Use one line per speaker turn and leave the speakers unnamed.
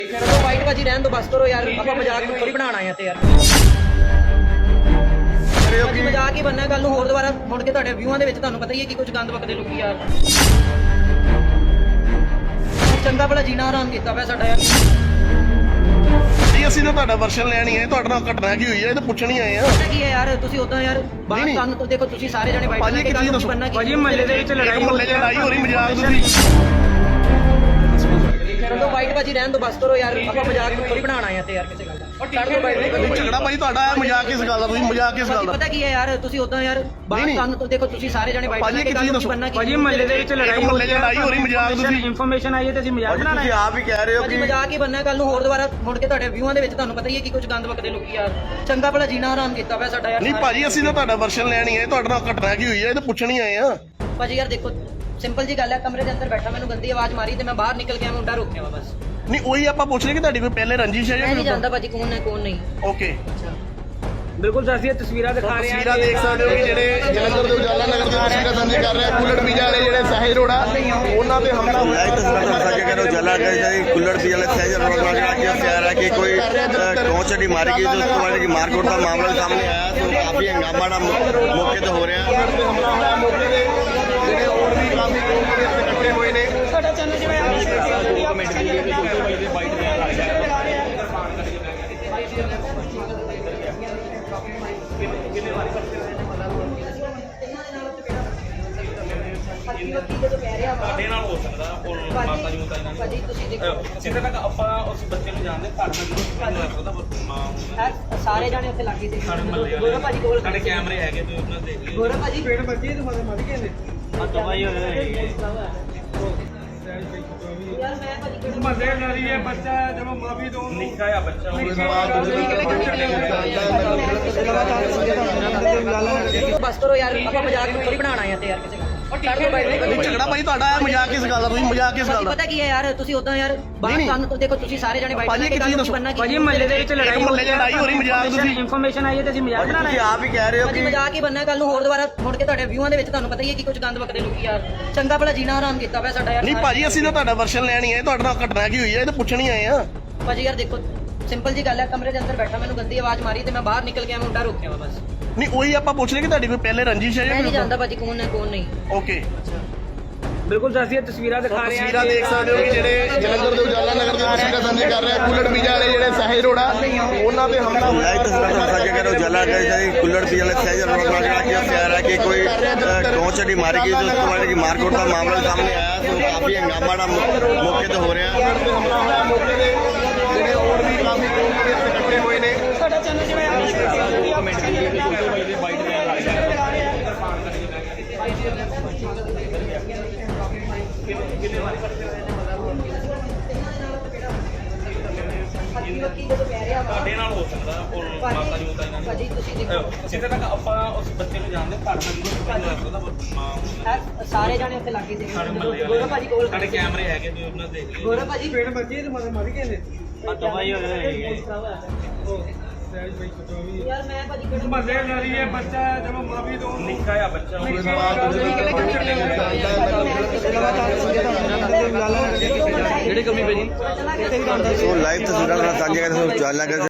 ਚਲੋ ਵਾਈਟ ਭਾਜੀ ਰਹਿਣ ਦੋ ਬਸ ਕਰੋ ਯਾਰ, ਆਪਾਂ ਮਜ਼ਾਕ ਨੂੰ ਥੋੜੀ ਬਣਾਉਣਾ ਆ ਤੇ ਯਾਰ ਭਾਜੀ ਮਜ਼ਾਕ ਹੀ ਬੰਨਾ। ਕੱਲ ਨੂੰ ਹੋਰ ਦੁਬਾਰਾ ਮੁੜ ਕੇ ਤੁਹਾਡੇ ਵਿਊਆਂ ਦੇ ਵਿੱਚ ਤੁਹਾਨੂੰ ਪਤਾ ਹੀ ਹੈ ਕਿ ਕੁਝ ਗੰਦ ਵਗਦੇ ਲੋਕੀ ਯਾਰ। ਚੰਗਾ ਭਲਾ ਜੀਣਾ ਆਰਾਮ ਕੀਤਾ ਪਿਆ ਸਾਡਾ ਯਾਰ।
ਜੀ ਅਸੀਂ ਤਾਂ ਤੁਹਾਡਾ ਵਰਸ਼ਨ ਲੈਣੀ ਹੈ, ਤੁਹਾਡੇ ਨਾਲ ਘਟਨਾ ਕੀ ਹੋਈ ਹੈ ਇਹ ਤਾਂ ਪੁੱਛਣੀ ਆਏ ਆ।
ਪਤਾ ਕੀ ਹੈ ਯਾਰ, ਤੁਸੀਂ ਉਦਾਂ ਯਾਰ ਬਾਹਰ ਕੰਨ ਤੋਂ ਦੇਖੋ, ਤੁਸੀਂ ਸਾਰੇ ਜਣੇ ਵਾਈਟ ਲੈ ਕੇ ਗੱਲ ਨੂੰ ਬੰਨਾ
ਭਾਜੀ ਮਹੱਲੇ ਦੇ ਵਿੱਚ ਲੜਾਈ
ਹੋ ਰਹੀ ਮਜ਼ਾਕ ਤੁਸੀਂ
ਚਲੋ ਵਾਈਟ ਭਾਜੀ ਰਹਿਣ ਦੋ ਬਸ ਕਰੋ ਯਾਰ, ਆਪਾਂ ਮਜ਼ਾਕ ਨੂੰ ਥੋੜੀ ਬਣਾਉਣਾ ਆ ਤੇ ਯਾਰ ਕਿਸੇ ਗੱਲ ਦਾ।
ਝਗੜਾ ਭਾਈ ਤੁਹਾਡਾ ਮਜ਼ਾਕ ਕਿਸ ਗੱਲ ਦਾ, ਤੁਸੀਂ ਮਜ਼ਾਕ ਕਿਸ ਗੱਲ ਦਾ?
ਪਤਾ ਕੀ ਹੈ ਯਾਰ, ਤੁਸੀਂ ਉਦਾਂ ਯਾਰ ਬਾਹਰ ਕੰਨ ਤੋਂ ਦੇਖੋ, ਤੁਸੀਂ ਸਾਰੇ ਜਣੇ ਵਾਈਟ ਲੈ ਕੇ ਗੱਲ ਨੂੰ ਬੰਨਾ
ਭਾਜੀ ਮਹੱਲੇ ਦੇ ਵਿੱਚ ਲੜਾਈ
ਹੋ ਰਹੀ ਮਜ਼ਾਕ ਤੁਸੀਂ
ਇਨਫੋਰਮੇਸ਼ਨ ਆਈ ਹੈ ਤੇ ਅਸੀਂ ਮਜ਼ਾਕ ਬਣਾਣਾ
ਤੁਸੀਂ ਆਪ ਹੀ ਕਹਿ ਰਹੇ ਹੋ
ਭਾਜੀ ਮਜ਼ਾਕ ਹੀ ਬੰਨਾ। ਕੱਲ ਨੂੰ ਹੋਰ ਦੁਬਾਰਾ ਮੁੜ ਕੇ ਤੁਹਾਡੇ ਵਿਊਆਂ ਦੇ ਵਿੱਚ ਤੁਹਾਨੂੰ ਪਤਾ ਹੀ ਹੈ ਕਿ ਕੁਝ ਗੰਦ ਵਗਦੇ ਲੋਕੀ ਯਾਰ। ਚੰਗਾ ਭਲਾ ਜੀਣਾ ਆਰਾਮ ਕੀਤਾ ਪਿਆ ਸਾਡਾ ਯਾਰ।
ਨਹੀਂ ਭਾਜੀ ਅਸੀਂ ਤਾਂ ਤੁਹਾਡਾ ਵਰਸ਼ਨ ਲੈਣੀ ਹੈ, ਤੁਹਾਡੇ ਨਾਲ ਘਟਨਾ ਕੀ ਹੋਈ ਹੈ ਇਹ ਤਾਂ ਪੁੱਛਣੀ ਆਏ ਆ।
ਭਾਜੀ ਯਾਰ ਦੇਖੋ, ਸਿੰਪਲ ਜੀ ਗੱਲ ਹੈ, ਕਮਰੇ ਦੇ ਅੰਦਰ ਬੈਠਾ ਮੈਨੂੰ ਗੰਦੀ ਆਵਾਜ਼ ਮਾਰੀ ਤੇ ਮੈਂ ਬਾਹਰ ਨਿਕਲ ਗਿਆ, ਮੁੰਡਾ ਰੋਕਿਆ ਵਾ ਬਸ।
ਨਹੀਂ ਉਹੀ ਆਪਾਂ ਪੁੱਛ ਰਹੇ ਕਿ ਤੁਹਾਡੀ ਕੋਈ ਪਹਿਲੇ ਰੰਜਿਸ਼ ਹੈ
ਮੈਂ ਨਹੀਂ
ਜਾਂ
ਜਾਣਦਾ ਭਾਜੀ ਕੌਣ ਹੈ ਕੌਣ ਨਹੀਂ।
ਓਕੇ
ਬਿਲਕੁਲ ਅਸੀਂ ਇਹ ਤਸਵੀਰਾਂ ਦਿਖਾ ਰਹੇ ਹਾਂ।
ਤਸਵੀਰਾਂ ਦੇਖ ਸਕਦੇ ਹੋ ਕਿ ਜਿਹੜੇ ਜਲੰਧਰ ਦੇ ਉਜਾਲਾ ਨਗਰ ਦੇ ਤਸਵੀਰਾਂ ਸਾਂਝੇ ਕਰ ਰਹੇ ਆ। ਕੁੱਲੜ ਪੀਜ਼ਾ ਵਾਲੇ ਜਿਹੜੇ ਸਾਹਿਜ ਰੋੜਾ ਉਹਨਾਂ ਤੇ ਹਮਲਾ ਹੋਇਆ।
तस्वीर साझा करो जला कुल्लड़ पी वाले सहज रोड कह रहा है कि कोई टोचड़ी मारी गई, तो उसके बाद की मारकुट का मामला सामने आया, तो काफी हंगामा मौके तो हो रहा है।
ਜਿਹੜੇ ਹੋਰ ਵੀ ਕਾਫੀ ਲੋਕ ਇਕੱਠੇ ਹੋਏ ਨੇ।
ਸਾਡੇ ਨਾਲ ਹੋ ਸਕਦਾ ਉਹ ਮਾਤਾ ਜੀ ਨੂੰ ਤਾਂ ਇਹਨਾਂ
ਭਾਜੀ ਤੁਸੀਂ ਦੇਖੋ,
ਜਿੱਥੇ ਤੱਕ ਆਪਾਂ ਉਸ ਬੱਚੇ ਨੂੰ ਜਾਣਦੇ ਸਾਡੇ ਨਾਲ ਨਹੀਂ ਹੋ ਸਕਦਾ
ਸਾਰੇ ਜਾਣੇ ਉੱਥੇ ਲੱਗੇ ਸੀ।
ਸਾਡੇ ਮਹੱਲੇ
ਗੋਰਾ ਭਾਜੀ ਕੋਲ
ਸਾਡੇ ਕੈਮਰੇ ਹੈਗੇ ਤੁਸੀਂ ਉਹਨਾਂ ਦੇਖ ਲਿਓ।
ਗੋਰਾ ਭਾਜੀ
ਪੇੜ ਬੱਚੇ ਤੇ ਮਾਰੀ ਗਏ ਨੇ
ਦਵਾਈ ਹੋਏ
ਯਾਰ ਮੈਂ ਭਾਜੀ ਕਿਹੜਾ
ਮਹੱਲੇ ਨਾਲੀ ਹੈ ਬੱਚਾ ਜਦੋਂ ਮਾਫੀ ਤੋਂ
ਨਿੱਕਾ ਜਿਹਾ ਬੱਚਾ
ਬਸ ਕਰੋ ਯਾਰ, ਆਪਾਂ ਮਜ਼ਾਕ ਨੂੰ ਥੋੜੀ ਬਣਾਉਣਾ ਆ ਤੇ ਯਾਰ ਕਿਸੇ ਗੱਲ ਦਾ।
ਝਗੜਾ ਭਾਈ ਤੁਹਾਡਾ ਮਜ਼ਾਕ ਕਿਸ ਗੱਲ ਦਾ, ਤੁਸੀਂ ਮਜ਼ਾਕ ਕਿਸ ਗੱਲ ਦਾ?
ਪਤਾ ਕੀ ਹੈ ਯਾਰ, ਤੁਸੀਂ ਉਦਾਂ ਯਾਰ ਬਾਹਰ ਕੰਨ ਤੋਂ ਦੇਖੋ, ਤੁਸੀਂ ਸਾਰੇ ਜਣੇ ਵਾਈਟ ਲੈ ਕੇ ਗੱਲ ਨੂੰ ਬੰਨਾ
ਭਾਜੀ ਮਹੱਲੇ ਦੇ ਵਿੱਚ ਲੜਾਈ
ਹੋ ਰਹੀ ਮਜ਼ਾਕ ਤੁਸੀਂ
ਇਨਫੋਰਮੇਸ਼ਨ ਆਈ ਹੈ ਤੇ ਅਸੀਂ ਮਜ਼ਾਕ ਬਣਾਣਾ
ਤੁਸੀਂ ਆਪ ਹੀ ਕਹਿ ਰਹੇ ਹੋ
ਭਾਜੀ ਮਜ਼ਾਕ ਹੀ ਬੰਨਾ। ਕੱਲ ਨੂੰ ਹੋਰ ਦੁਬਾਰਾ ਮੁੜ ਕੇ ਤੁਹਾਡੇ ਵਿਊਆਂ ਦੇ ਵਿੱਚ ਤੁਹਾਨੂੰ ਪਤਾ ਹੀ ਹੈ ਕਿ ਕੁਝ ਗੰਦ ਵਗਦੇ ਲੋਕੀ ਯਾਰ। ਚੰਗਾ ਭਲਾ ਜੀਣਾ ਆਰਾਮ ਕੀਤਾ ਪਿਆ ਸਾਡਾ ਯਾਰ।
ਨਹੀਂ ਭਾਜੀ ਅਸੀਂ ਤਾਂ ਤੁਹਾਡਾ ਵਰਸ਼ਨ ਲੈਣੀ ਹੈ, ਤੁਹਾਡੇ ਨਾਲ ਘਟਨਾ ਕੀ ਹੋਈ ਹੈ ਇਹ ਤਾਂ ਪੁੱਛਣੀ ਆਏ ਆ।
ਭਾਜੀ ਯਾਰ ਦੇਖੋ, ਸਿੰਪਲ ਜੀ ਗੱਲ ਹੈ, ਕਮਰੇ ਦੇ ਅੰਦਰ ਬੈਠਾ ਮੈਨੂੰ ਗੰਦੀ ਆਵਾਜ਼ ਮਾਰੀ ਤੇ ਮੈਂ ਬਾਹਰ ਨਿਕਲ ਗਿਆ, ਮੁੰਡਾ ਰੋਕਿਆ ਵਾ ਬਸ।
ਨਹੀਂ ਉਹੀ ਆਪਾਂ ਪੁੱਛ ਰਹੇ ਕਿ ਤੁਹਾਡੀ ਕੋਈ ਪਹਿਲੇ ਰੰਜਿਸ਼ ਹੈ
ਮੈਂ ਨਹੀਂ
ਜਾਂ
ਜਾਣਦਾ ਭਾਜੀ ਕੌਣ ਹੈ ਕੌਣ ਨਹੀਂ।
ਓਕੇ
ਬਿਲਕੁਲ ਅਸੀਂ ਇਹ ਤਸਵੀਰਾਂ ਦਿਖਾ ਰਹੇ ਹਾਂ।
ਤਸਵੀਰਾਂ ਦੇਖ ਸਕਦੇ ਹੋ ਕਿ ਜਿਹੜੇ ਜਲੰਧਰ ਦੇ ਉਜਾਲਾ ਨਗਰ ਦੇ ਤਸਵੀਰਾਂ ਸਾਂਝੇ ਕਰ ਰਹੇ ਆ। ਕੁੱਲੜ ਪੀਜ਼ਾ ਵਾਲੇ ਜਿਹੜੇ ਸਾਹਿਜ ਰੋੜਾ ਉਹਨਾਂ ਤੇ ਹਮਲਾ ਹੋਇਆ।
तस्वीर साझा करो जला कुल्लड़ पी वाले सहज रोड कह रहा है कि कोई टोचड़ी मारी गई, तो उसके बाद की मारकुट का मामला सामने आया, तो काफी हंगामा मौके तो हो रहा है।
ਜਿਹੜੇ ਹੋਰ ਵੀ ਕਾਫੀ ਲੋਕ ਇਕੱਠੇ ਹੋਏ ਨੇ।
ਸਾਡੇ ਨਾਲ ਹੋ ਸਕਦਾ ਉਹ ਮਾਤਾ ਜੀ ਨੂੰ ਤਾਂ ਇਹਨਾਂ
ਭਾਜੀ ਤੁਸੀਂ ਦੇਖੋ,
ਜਿੱਥੇ ਤੱਕ ਆਪਾਂ ਉਸ ਬੱਚੇ ਨੂੰ ਜਾਣਦੇ ਸਾਡੇ ਨਾਲ ਨਹੀਂ ਹੋ ਸਕਦਾ
ਸਾਰੇ ਜਾਣੇ ਉੱਥੇ ਲੱਗੇ ਸੀ।
ਸਾਡੇ ਮਹੱਲੇ
ਗੋਰਾ ਭਾਜੀ ਕੋਲ
ਸਾਡੇ ਕੈਮਰੇ ਹੈਗੇ ਤੁਸੀਂ ਉਹਨਾਂ ਦੇਖ ਲਿਓ।
ਗੋਰਾ ਭਾਜੀ
ਪੇੜ ਬੱਚੇ ਤੇ ਮਾਰੀ ਗਏ ਨੇ
ਦਵਾਈ ਹੋਏ
ਯਾਰ ਮੈਂ ਭਾਜੀ ਕਿਹੜਾ
ਮਹੱਲੇ ਨਾਲੀ ਹੈ ਬੱਚਾ ਜਦੋਂ ਮਾਫੀ ਤੋਂ
ਨਿੱਕਾ ਜਿਹਾ ਬੱਚਾ
ਜਿਹੜੀ ਕਮੀ ਭਾਜੀ
तो लाइव तस्वीर साझा कर